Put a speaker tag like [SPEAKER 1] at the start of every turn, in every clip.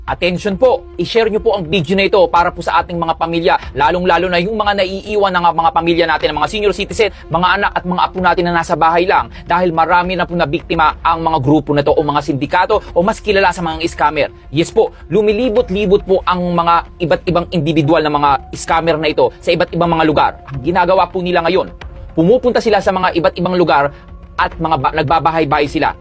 [SPEAKER 1] Attention po, i-share nyo po ang video na ito para po sa ating mga pamilya, lalong-lalo na yung mga naiiwan ng mga pamilya natin, mga senior citizen, mga anak at mga apo natin na nasa bahay lang dahil marami na po na biktima ang mga grupo na to o mga sindikato o mas kilala sa mga scammer. Yes po, lumilibot-libot po ang mga iba't ibang individual na mga scammer na ito sa iba't ibang mga lugar. Ang ginagawa po nila ngayon, pumupunta sila sa mga iba't ibang lugar at nagbabahay-bahay sila.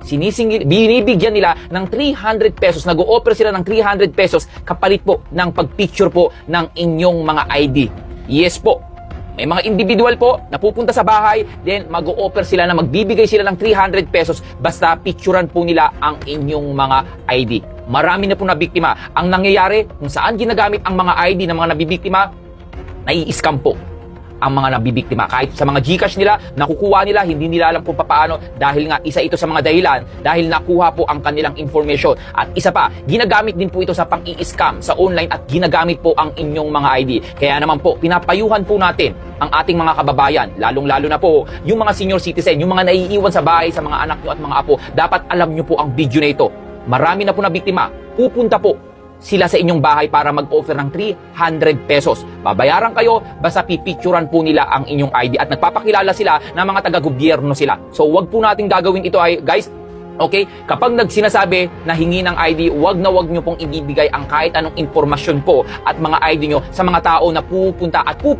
[SPEAKER 1] Binibigyan nila ng 300 pesos, nag-o-offer sila ng 300 pesos kapalit po ng pagpicture po ng inyong mga ID. Yes po, may mga individual po na pupunta sa bahay, then mag-o-offer sila na magbibigay sila ng 300 pesos basta picturean po nila ang inyong mga ID. Marami na po na biktima. Ang nangyayari, kung saan ginagamit ang mga ID ng mga nabibiktima, nai-scam po ang mga nabibiktima. Kahit sa mga GCash nila, nakukuha nila, hindi nila alam kung paano dahil nga isa ito sa mga dahilan dahil nakuha po ang kanilang information. At isa pa, ginagamit din po ito sa pang-i-scam sa online at ginagamit po ang inyong mga ID. Kaya naman po, pinapayuhan po natin ang ating mga kababayan, lalong-lalo na po yung mga senior citizen, yung mga naiiwan sa bahay sa mga anak nyo at mga apo. Dapat alam nyo po ang video na ito. Marami na po na biktima. Pupunta po sila sa inyong bahay para mag-offer ng 300 pesos. Babayaran kayo, basta pipicturan po nila ang inyong ID at nagpapakilala sila na mga taga-gobyerno sila. So, wag po nating gagawin ito ay, guys. Okay? Kapag nagsinasabi na hingi ng ID, wag na wag nyo pong ibibigay ang kahit anong impormasyon po at mga ID nyo sa mga tao na pupunta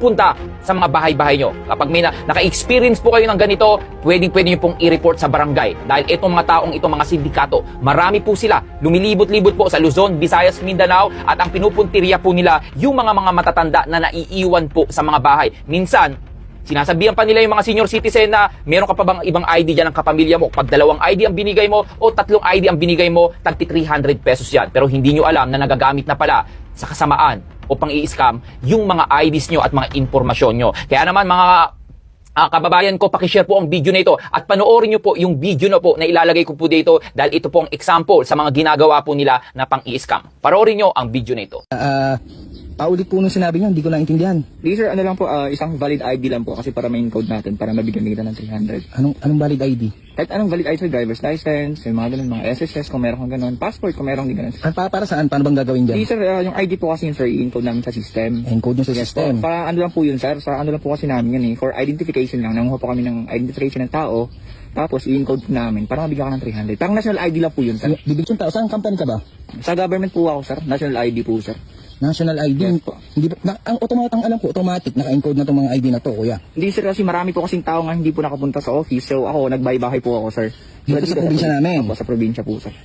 [SPEAKER 1] sa mga bahay-bahay nyo. Kapag may naka-experience po kayo ng ganito, pwede nyo pong i-report sa barangay. Dahil itong mga taong ito, mga sindikato, marami po sila. Lumilibot-libot po sa Luzon, Visayas, Mindanao at ang pinupuntirya po nila yung mga matatanda na naiiwan po sa mga bahay. Minsan, sinasabihan pa nila yung mga senior citizen na meron ka pa bang ibang ID dyan ng kapamilya mo. Pag 2 ID ang binigay mo o 3 ID ang binigay mo, tagti 300 pesos yan. Pero hindi nyo alam na nagagamit na pala sa kasamaan o pang-i-scam yung mga IDs nyo at mga informasyon nyo. Kaya naman mga kababayan ko, pakishare po ang video na ito at panoorin nyo po yung video na po na ilalagay ko po dito dahil ito po ang example sa mga ginagawa po nila na pang-i-scam. Panoorin nyo ang video na ito.
[SPEAKER 2] Paulit po nung sinabi niyo, hindi ko naintindihan.
[SPEAKER 3] Di sir, ano lang po, isang valid ID lang po kasi para main code natin, para mabigyan kita ng 300.
[SPEAKER 2] Anong valid ID?
[SPEAKER 3] Kahit anong valid ID, sir, driver's license, yung mga ganun, mga SSS, kung meron kang ganun, passport, kung meron din ganun.
[SPEAKER 2] Para saan? Paano bang gagawin dyan?
[SPEAKER 3] Di sir, yung ID po kasi yun, sir, i-encode namin sa system.
[SPEAKER 2] Encode nyo sa system.
[SPEAKER 3] Para ano lang po yun, sir, sa ano lang po kasi namin yun for identification lang, nanguha po kami ng identification ng tao, tapos i-encode po namin, para mabigyan ka ng 300. Parang national ID lang po yun, sir.
[SPEAKER 2] Bibig yung tao, saan company ka ba?
[SPEAKER 3] Sa government po ako, sir, national ID po, sir.
[SPEAKER 2] National ID.
[SPEAKER 3] Yes po.
[SPEAKER 2] Hindi ang alam ko, automatic naka-encode na tong mga ID na to, kuya.
[SPEAKER 3] Hindi sir, kasi marami po kasing tao nga hindi po nakapunta sa office, so ako, nagbahay-bahay po ako, sir.
[SPEAKER 2] Dito sa probinsya namin?
[SPEAKER 3] Opo, sa probinsya po, sir.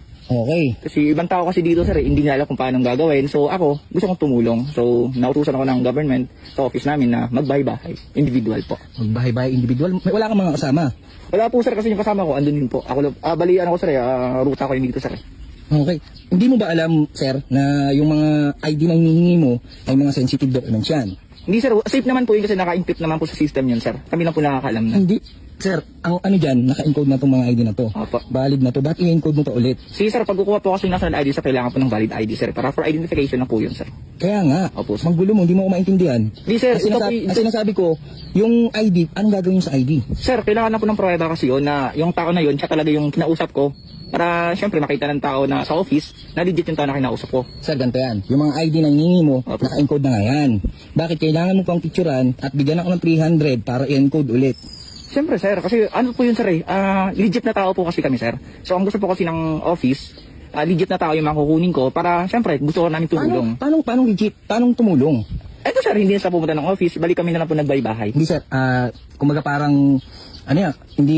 [SPEAKER 2] Okay.
[SPEAKER 3] Kasi ibang tao kasi dito sir, hindi nila alam kung paano gagawin. So ako, gusto kong tumulong. So nautusan ako ng government sa office namin na magbahay-bahay. Individual po.
[SPEAKER 2] Magbahay-bahay individual. Wala kang mga kasama?
[SPEAKER 3] Wala po sir, kasi yung kasama ko, andun din po. Ako, bali ano ko sir, ruta ko yung dito sir.
[SPEAKER 2] Okay. Hindi mo ba alam, sir, na yung mga ID na hinihingi mo ay mga sensitive documents yan?
[SPEAKER 3] Hindi sir, safe naman po yun kasi naka-encrypt naman po sa system yun sir. Kami lang po nakakaalam na.
[SPEAKER 2] Hindi. Sir, ang ano dyan, naka-encode na itong mga ID na to.
[SPEAKER 3] Opo.
[SPEAKER 2] Valid na to. Bakit i-encode mo to ulit?
[SPEAKER 3] Sige sir, pag kukuha po kasi ng national ID sir, kailangan po ng valid ID sir. Para for identification na po yun sir.
[SPEAKER 2] Kaya nga,
[SPEAKER 3] Opo, sir.
[SPEAKER 2] manggulo mo, hindi mo ko maintindihan.
[SPEAKER 3] Hindi sir,
[SPEAKER 2] Ang sinasabi ko, yung ID, anong gagawin sa ID?
[SPEAKER 3] Sir, kailangan na po ng pruweba kasi yun na yung tao na yun, siya talaga yung kinausap ko. Para syempre makita ng tao na sa office na legit yung tao na kinausap ko.
[SPEAKER 2] Sir, ganito yan. Yung mga ID na hinihingi mo,
[SPEAKER 3] Opo.
[SPEAKER 2] naka-encode na nga yan. Bakit kailangan mo pang picturean at bigyan ako ng 300 para i-encode ulit?
[SPEAKER 3] Siyempre sir, kasi ano po yun sir legit na tao po kasi kami sir. So ang gusto po kasi ng office, legit na tao yung makukunin ko para syempre gusto ko namin tumulong.
[SPEAKER 2] Paano legit? Paano tumulong?
[SPEAKER 3] Eto sir, hindi na sa pumunta ng office, balik kami na lang po nagbahay-bahay.
[SPEAKER 2] Hindi sir, kumaga parang, ano yan,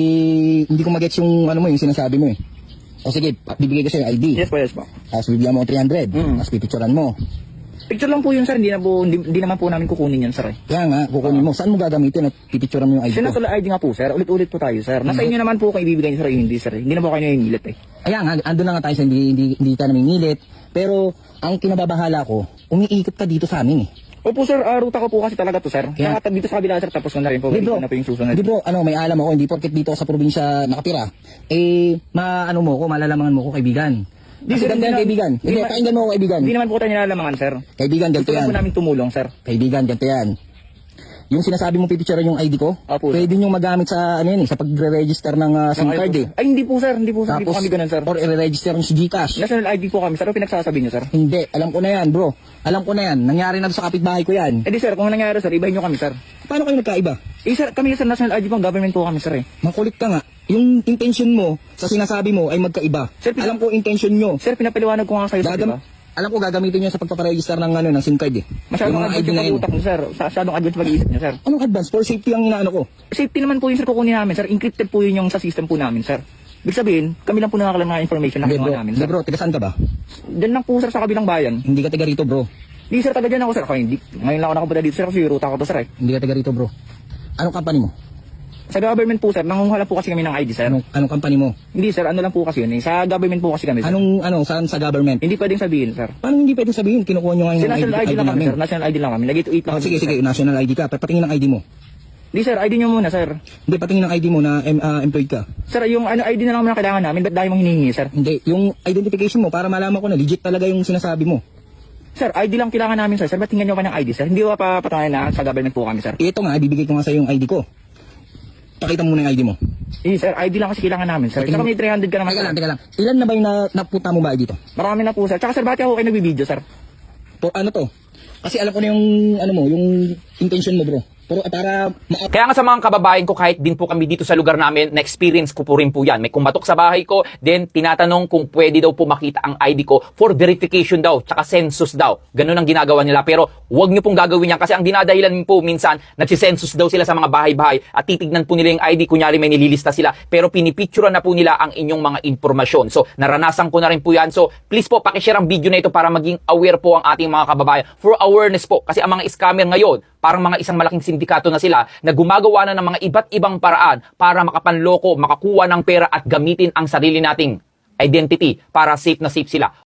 [SPEAKER 2] hindi ko magets yung, ano mo, yung sinasabi mo eh. O sige, bibigay ko sa'yo yung ID.
[SPEAKER 3] Yes po, yes po.
[SPEAKER 2] Tapos bibigyan mo 300, tapos pipicturean mo.
[SPEAKER 3] Picture lang po yun sir, hindi naman po namin kukunin yan sir.
[SPEAKER 2] Kaya nga, kukunin mo. Saan mo gagamitin at pipicturean mo yung ID ko?
[SPEAKER 3] National ID nga po sir, ulit-ulit po tayo sir. Nasa inyo naman po kung ibibigay niyo sir, hindi sir. Hindi na po kayo nangingilit eh.
[SPEAKER 2] Kaya nga, andun na nga tayo sa hindi ka namingilit. Pero, ang kinababahala ko, umiikot ka dito sa amin eh.
[SPEAKER 3] Opo sir, ruta ko po kasi talaga to sir. Kaya dito sa kabila sir, tapos ko na rin po.
[SPEAKER 2] Di bro,
[SPEAKER 3] na po yung susunod.
[SPEAKER 2] di bro, may alam ako, hindi porket dito sa probinsya nakatira. Maano mo ko, malalamangan mo ko kaibigan.
[SPEAKER 3] Di
[SPEAKER 2] Kasi
[SPEAKER 3] sir,
[SPEAKER 2] ganito yan, kaibigan. Hindi, pakinggan mo ako kaibigan.
[SPEAKER 3] Hindi naman po tayo nilalamangan sir.
[SPEAKER 2] Kaibigan, ganito
[SPEAKER 3] Gusto lang
[SPEAKER 2] yan.
[SPEAKER 3] po namin tumulong sir.
[SPEAKER 2] Kaibigan, ganito yan. Yung sinasabi mo pipicture yung ID ko,
[SPEAKER 3] Opo, sir.
[SPEAKER 2] pwede nyo magamit sa ano yan, sa pagre-register ng SIM card eh.
[SPEAKER 3] Ay, hindi po sir, hindi po
[SPEAKER 2] Tapos,
[SPEAKER 3] kami ganun sir.
[SPEAKER 2] or i-register nyo sa GCash.
[SPEAKER 3] National ID po kami sir, ano pinagsasabi niyo sir?
[SPEAKER 2] Hindi, alam ko na yan bro. Alam ko na yan, nangyari na sa kapitbahay ko yan.
[SPEAKER 3] Eh di sir, kung nangyari sir, ibahin niyo kami sir.
[SPEAKER 2] Paano kayo nagkaiba?
[SPEAKER 3] Eh sir, kami sir, national ID po, government po kami sir eh.
[SPEAKER 2] Makulit ka nga. Yung intention mo sa sinasabi mo ay magkaiba.
[SPEAKER 3] Sir,
[SPEAKER 2] Alam ko intention nyo.
[SPEAKER 3] Sir, pinapaliwanag ko nga sa'yo sir, di ba?
[SPEAKER 2] Alam ko gagamitin nyo sa pagpaparegister ng ano ng SIM card eh.
[SPEAKER 3] Masyadong
[SPEAKER 2] Yung mga
[SPEAKER 3] advance
[SPEAKER 2] ID
[SPEAKER 3] yung
[SPEAKER 2] na yun.
[SPEAKER 3] pag-utak niyo sir, masyadong advance pag-iisip niyo sir.
[SPEAKER 2] Anong advance? For safety ang inaano ko.
[SPEAKER 3] Safety naman po yung sir kukunin namin sir, encrypted po yun yung sa system po namin sir. Ibig sabihin, kami lang po nakakalam ng information na
[SPEAKER 2] Hindi
[SPEAKER 3] kinuha
[SPEAKER 2] bro,
[SPEAKER 3] namin
[SPEAKER 2] hindi
[SPEAKER 3] sir.
[SPEAKER 2] bro, tiga saan ka ba?
[SPEAKER 3] Diyan lang po sir sa kabilang bayan.
[SPEAKER 2] Hindi ka taga rito bro.
[SPEAKER 3] Di sir, taga dyan ako sir. Ako, hindi. Ngayon lang ako nakapunta dito sir kasi yung ruta ko to sir eh.
[SPEAKER 2] Hindi ka taga rito bro. Anong company mo?
[SPEAKER 3] Sa government po sir, nangunguha lang po kasi kami ng ID sir.
[SPEAKER 2] Anong company mo?
[SPEAKER 3] Hindi sir, ano lang po kasi yun eh. Sa government po kasi kami sir.
[SPEAKER 2] Saan sa government?
[SPEAKER 3] Hindi pwedeng sabihin sir.
[SPEAKER 2] Paano hindi pwede sabihin? Kinukuha nyo nga
[SPEAKER 3] Kasi
[SPEAKER 2] yung
[SPEAKER 3] national ID lang kami
[SPEAKER 2] namin.
[SPEAKER 3] sir, national ID lang kami. Lagi to 8 lang.
[SPEAKER 2] Oh, sige, national ID ka. Patingin ng ID mo.
[SPEAKER 3] Hindi sir, ID nyo muna sir.
[SPEAKER 2] Hindi, patingin ng ID mo na employed ka.
[SPEAKER 3] Sir, yung ano ID na lang muna kailangan namin, ba't dahil mong hinihingi sir?
[SPEAKER 2] Hindi, yung identification mo para malaman ko na legit talaga yung sinasabi mo.
[SPEAKER 3] Sir, ID lang kailangan namin sir. Sir, ba't tingnan nyo pa ng ID sir? Hindi ba papatunayan na sa government po kami sir?
[SPEAKER 2] Ito nga, bibigay ko nga sa yung ID ko. Pakita mo na yung ID mo.
[SPEAKER 3] Eh sir, ID lang kasi kailangan namin sir. Tsaka may 300 ka naman
[SPEAKER 2] Teka
[SPEAKER 3] sir.
[SPEAKER 2] lang, teka lang. Ilan na ba yung napunta mo ba dito?
[SPEAKER 3] Marami na po sir. Tsaka sir, bakit ako kayo nagbibideo sir?
[SPEAKER 2] Ano to? Kasi alam ko na yung, yung intention mo bro. Pero para
[SPEAKER 1] Kaya nga sa mga kababayan ko, kahit din po kami dito sa lugar namin, na-experience ko po rin po yan. May kumatok sa bahay ko, then tinatanong kung pwede daw po makita ang ID ko for verification daw, tsaka census daw. Ganun ang ginagawa nila. Pero huwag nyo pong gagawin yan kasi ang dinadahilan po minsan, nagsisensus daw sila sa mga bahay-bahay at titignan po nila yung ID, kunyari may nililista sila, pero pinipicturean na po nila ang inyong mga impormasyon. So, naranasan ko na rin po yan. So, please po, pakishare ang video na ito para maging aware po ang ating mga kababayan. For awareness po, kasi ang mga scammer ngayon, parang mga isang malaking sindikato na sila na gumagawa na ng mga iba't ibang paraan para makapanloko, makakuha ng pera at gamitin ang sarili nating identity para safe na safe sila.